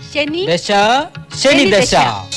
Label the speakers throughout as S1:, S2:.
S1: ശനി
S2: ദശ ശനി ദശ.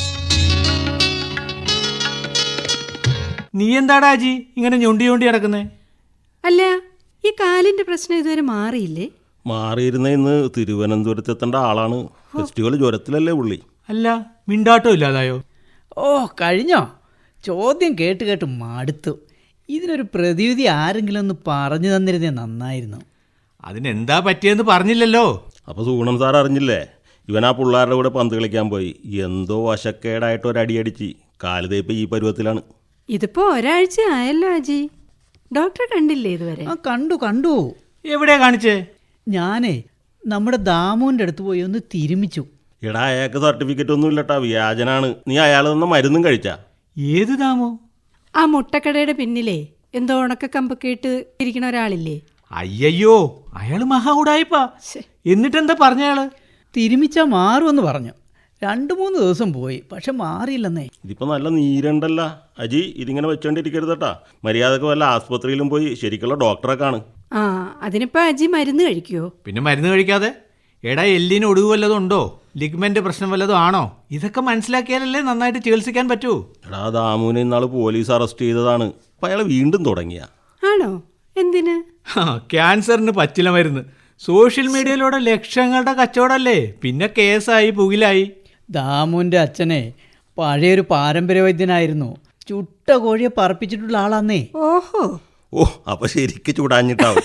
S3: നീ എന്താടാ അജി ഇങ്ങനെ ഞൊണ്ടി ഞൊണ്ടി കിടക്കുന്നേ?
S1: അല്ല, ഈ കാലിന്റെ പ്രശ്നം ഇതുവരെ മാറിയില്ലേ?
S4: മാറിയിരുന്ന ഇന്ന് തിരുവനന്തപുരത്ത് എത്തേണ്ട ആളാണ്. ഫെസ്റ്റിവൽ ജ്വരത്തിലല്ലേ പുള്ളി.
S3: അല്ല, മിണ്ടാട്ടം ഇല്ലാതായോ?
S5: ഓ കഴിഞ്ഞോ? ചോദ്യം കേട്ട് കേട്ട് മടുത്തു. ഇതിനൊരു പ്രതിവിധി ആരെങ്കിലും ഒന്ന് പറഞ്ഞു തന്നിരുന്നേ നന്നായിരുന്നു.
S3: അതിനെന്താ പറ്റിയെന്ന് പറഞ്ഞില്ലല്ലോ.
S4: അപ്പോൾ സൂണം സാർ അറിഞ്ഞില്ലേ? ഇവൻ ആ പിള്ളേരുടെ കൂടെ പന്ത് കളിക്കാൻ പോയി. എന്തോ വശക്കേടായിട്ട് ഒരടിയടിച്ച് കാല് തേപ്പ് ഈ പരുവത്തിലാണ്.
S1: ഇതിപ്പോ ഒരാഴ്ച ആയല്ലോ അജി. ഡോക്ടറെ കണ്ടില്ലേ ഇതുവരെ?
S5: ആ കണ്ടു.
S3: എവിടെയാ കാണിച്ചേ?
S5: ഞാനേ നമ്മുടെ ദാമുവിൻ്റെ അടുത്ത് പോയി ഒന്ന് തിരുമിച്ചു.
S4: എടാ, അയാൾക്ക് സർട്ടിഫിക്കറ്റ് ഒന്നും ഇല്ലട്ടാ, വ്യാജനാണ്. നീ അയാൾ തന്ന മരുന്നും കഴിച്ചാ?
S3: ഏത് ദാമോ?
S1: ആ മുട്ടക്കടയുടെ പിന്നിലെ എന്തോ ഉണക്ക കമ്പൊക്കെ ഇട്ട് ഇരിക്കണ ഒരാളില്ലേ?
S3: അയ്യോ, അയാള് മഹാ ഉടായിപ്പാ. എന്നിട്ടെന്താ പറഞ്ഞയാള്?
S5: തിരുമിച്ചാൽ മാറുമെന്ന് പറഞ്ഞു. 2-3 ദിവസം പോയി, പക്ഷെ മാറിയില്ലെന്നേ.
S4: ഇതിപ്പോൾ നല്ല നീരുണ്ടല്ല അജി. ഇതിങ്ങനെ വെച്ചോണ്ടിരിക്കരുതട്ടാ. മര്യാദക്ക് വല്ല ആസ്പത്രിയിലും പോയി ശരിക്കുള്ള ഡോക്ടറെ കാണ്.
S1: ആ, അതിനിപ്പോ അജി മരുന്ന് കഴിക്കുവോ?
S3: പിന്നെ മരുന്ന് കഴിക്കാതെ? എടാ, എല്ലിന് ഒടിവ് വല്ലതും ഉണ്ടോ? ലിഗ്മെന്റ് പ്രശ്നം വല്ലതും ആണോ? ഇതൊക്കെ മനസ്സിലാക്കിയാലല്ലേ നന്നായിട്ട് ചികിത്സിക്കാൻ പറ്റൂ.
S4: എടാ, ദാമുവിനെ ഇന്നാൾ പോലീസ് അറസ്റ്റ് ചെയ്തതാണ്. അപ്പം അയാൾ വീണ്ടും തുടങ്ങിയ.
S1: ആണോ? എന്തിന്?
S3: ക്യാൻസറിന് പച്ചില മരുന്ന്. സോഷ്യൽ മീഡിയയിലൂടെ ലക്ഷങ്ങളുടെ കച്ചവടമല്ലേ. പിന്നെ കേസായി, പുകിലായി.
S5: ദാമുവിൻ്റെ അച്ഛനെ പഴയൊരു പാരമ്പര്യ വൈദ്യനായിരുന്നു. ചുട്ട കോഴിയെ പറപ്പിച്ചിട്ടുള്ള ആളാന്നേ.
S1: ഓഹോ.
S4: ഓ, അപ്പൊ ശരിക്ക് ചൂടാഞ്ഞിട്ടാവും.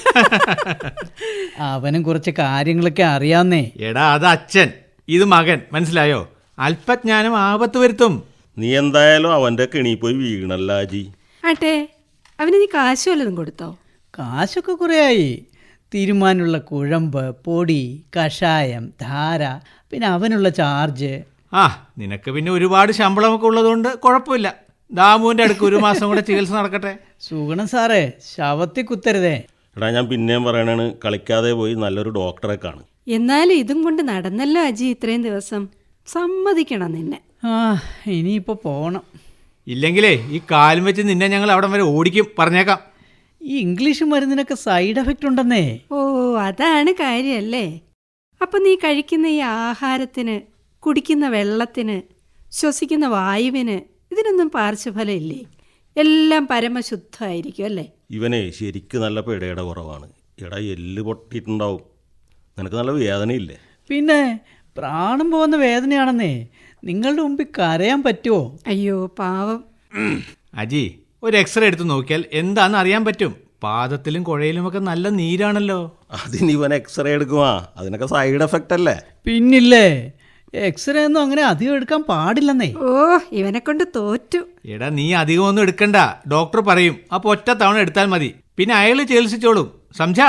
S5: അവനും കുറച്ച് കാര്യങ്ങളൊക്കെ അറിയാന്നേ.
S3: എടാ, അത് അച്ഛൻ, ഇത് മകൻ. മനസ്സിലായോ? അല്പജ്ഞാനം ആപത്ത് വരുത്തും.
S4: നീ എന്തായാലും അവന്റെ കെണി പോയി വീണല്ല അജി.
S1: ആട്ടെ, അവന് നീ കാശ് വല്ലതും കൊടുത്തോ?
S5: കാശൊക്കെ കുറേയായി. തീരുമാനമുള്ള കുഴമ്പ്, പൊടി, കഷായം, ധാര, പിന്നെ അവനുള്ള ചാർജ്.
S3: ആ, നിനക്ക് പിന്നെ ഒരുപാട് ശമ്പളമൊക്കെ ഉള്ളതുകൊണ്ട് കുഴപ്പമില്ല. ദാമുവിൻ്റെ അടുക്ക് 1 മാസം കൂടെ ചികിത്സ നടക്കട്ടെ.
S5: സുഗുണം സാറേ, ശവത്തിൽ കുത്തരുതേ.
S4: എടാ, ഞാൻ പിന്നെയും പറയണാണ്, കളിക്കാതെ പോയി നല്ലൊരു ഡോക്ടറെ കാണ്.
S1: എന്നാലും ഇതും കൊണ്ട് നടന്നല്ലോ അജി ഇത്രയും ദിവസം. സമ്മതിക്കണം നിന്നെ.
S5: ആ, ഇനിയിപ്പോൾ പോകണം.
S3: ഇല്ലെങ്കിലേ ഈ കാലും വെച്ച് നിന്നെ ഞങ്ങൾ അവിടം വരെ ഓടിക്കും, പറഞ്ഞേക്കാം.
S5: ഈ ഇംഗ്ലീഷ് മരുന്നിനൊക്കെ സൈഡ് എഫക്റ്റ് ഉണ്ടെന്നേ.
S1: ഓ, അതാണ് കാര്യല്ലേ. അപ്പം നീ കഴിക്കുന്ന ഈ ആഹാരത്തിന്, കുടിക്കുന്ന വെള്ളത്തിന്, ശ്വസിക്കുന്ന വായുവിന് ഇതിനൊന്നും പാർശ്വഫലം ഇല്ലേ? എല്ലാം പരമശുദ്ധമായിരിക്കും അല്ലേ?
S4: ഇവനെ ശരിക്ക് നല്ല പിടയുടെ കുറവാണ്. എടാ, എല്ല് പൊട്ടിയിട്ടുണ്ടാവും. നിനക്ക് നല്ല വേദനയില്ലേ?
S5: പിന്നെ പ്രാണം പോകുന്ന വേദനയാണെന്നേ. നിങ്ങളുടെ മുമ്പിൽ കരയാൻ പറ്റുമോ?
S1: അയ്യോ പാവം.
S3: അജി, ഒരു എക്സ്റേ എടുത്ത് നോക്കിയാൽ എന്താണെന്ന് അറിയാൻ പറ്റും. പാദത്തിലും കുഴയിലുമൊക്കെ നല്ല നീരാണല്ലോ.
S4: അതിന് ഇവൻ എക്സ്റേ എടുക്കുവാ? അതിനൊക്കെ സൈഡ് എഫക്റ്റ് അല്ലേ?
S5: പിന്നില്ലേ, എക്സ്റേ ഒന്നും അങ്ങനെ അധികം എടുക്കാൻ പാടില്ലെന്നേ.
S1: ഓ, ഇവനെ കൊണ്ട് തോറ്റു.
S3: എടാ, നീ അധികം ഒന്നും എടുക്കണ്ട. ഡോക്ടർ പറയും. അപ്പോൾ ഒറ്റ തവണ എടുത്താൽ മതി. പിന്നെ അയാൾ ചികിത്സിച്ചോളും. സംജാ?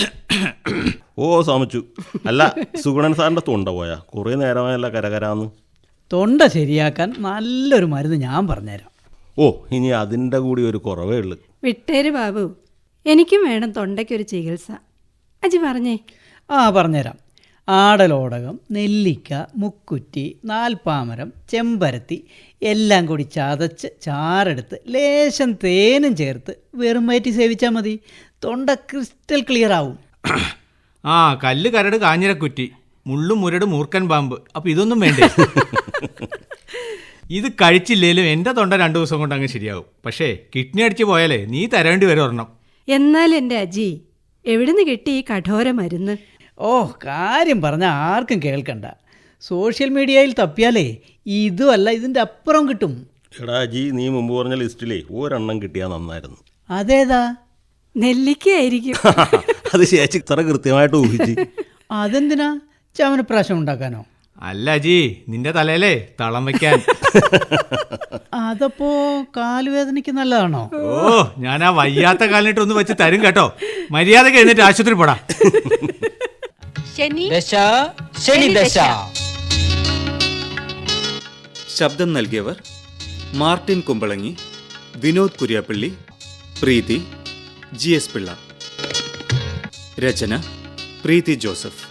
S4: ഓ, സമിച്ചു. അല്ല, സുഗുണൻ സാറിന്റെ തൊണ്ട പോയാ? കുറേ നേരമായല്ല കരകരാന്ന്.
S5: തൊണ്ട ശരിയാക്കാൻ നല്ലൊരു മരുന്ന് ഞാൻ പറഞ്ഞുതരാം.
S4: ഓ, ഇനി അതിൻ്റെ കൂടി ഒരു കുറവേ ഉള്ളു.
S1: വിട്ടേര് ബാബു, എനിക്കും വേണം തൊണ്ടയ്ക്കൊരു ചികിത്സ. അജി പറഞ്ഞേ.
S5: ആ, പറഞ്ഞുതരാം. ആടലോടകം, നെല്ലിക്ക, മുക്കുറ്റി, നാൽപ്പാമരം, ചെമ്പരത്തി എല്ലാം കൂടി ചതച്ച് ചാറെടുത്ത് ലേശം തേനും ചേർത്ത് വെറുമയറ്റി സേവിച്ചാൽ മതി. തൊണ്ട ക്രിസ്റ്റൽ ക്ലിയർ ആവും.
S3: ആ, കല്ല് കരട് കാഞ്ഞിരക്കുറ്റി, മുള്ളും മുരട് മൂർക്കൻ പാമ്പ്. അപ്പം ഇതൊന്നും വേണ്ടേ? ഇത് കഴിച്ചില്ലേലും എൻ്റെ തൊണ്ട 2 ദിവസം കൊണ്ട് അങ്ങ് ശരിയാവും. പക്ഷേ കിഡ്നി അടിച്ച് പോയാലേ നീ തരേണ്ടി വരും ഒരെണ്ണം.
S1: എന്നാൽ എൻ്റെ അജി, എവിടുന്ന് കിട്ടി ഈ കഠോര മരുന്ന്?
S5: ഓ, കാര്യം പറഞ്ഞാൽ ആർക്കും കേൾക്കണ്ട. സോഷ്യൽ മീഡിയയിൽ തപ്പിയാലേ ഇതുമല്ല ഇതിൻ്റെ അപ്പുറം കിട്ടും.
S4: എടാ അജി, നീ മുമ്പ് പറഞ്ഞ ലിസ്റ്റിലേ ഒരെണ്ണം കിട്ടിയാൽ നന്നായിരുന്നു.
S5: അതേതാ?
S1: നെല്ലിക്കയായിരിക്കും.
S4: അത് ചേച്ചി ഇത്ര കൃത്യമായിട്ട് ഊഹിച്ച്.
S5: അതെന്തിനാ? ചവനപ്രാശം ഉണ്ടാക്കാനോ?
S3: അല്ല അജി, നിന്റെ തലയിലേ തളം വയ്ക്കാൻ.
S5: അതപ്പോ കാലുവേദനയ്ക്ക് നല്ലതാണോ?
S3: ഓ, ഞാൻ ആ വയ്യാത്ത കാലിനിട്ട് ഒന്ന് വെച്ച് തരും കേട്ടോ. മര്യാദക്ക് എഴുന്നേറ്റ് ആശുപത്രി പോടാ.
S1: ശനി
S2: ദശ ശനി ദശ.
S6: ശബ്ദം നൽകിയവർ മാർട്ടിൻ കുമ്പളങ്ങി, വിനോദ് കുര്യാപ്പള്ളി, പ്രീതി, GS പിള്ള. രചന പ്രീതി ജോസഫ്.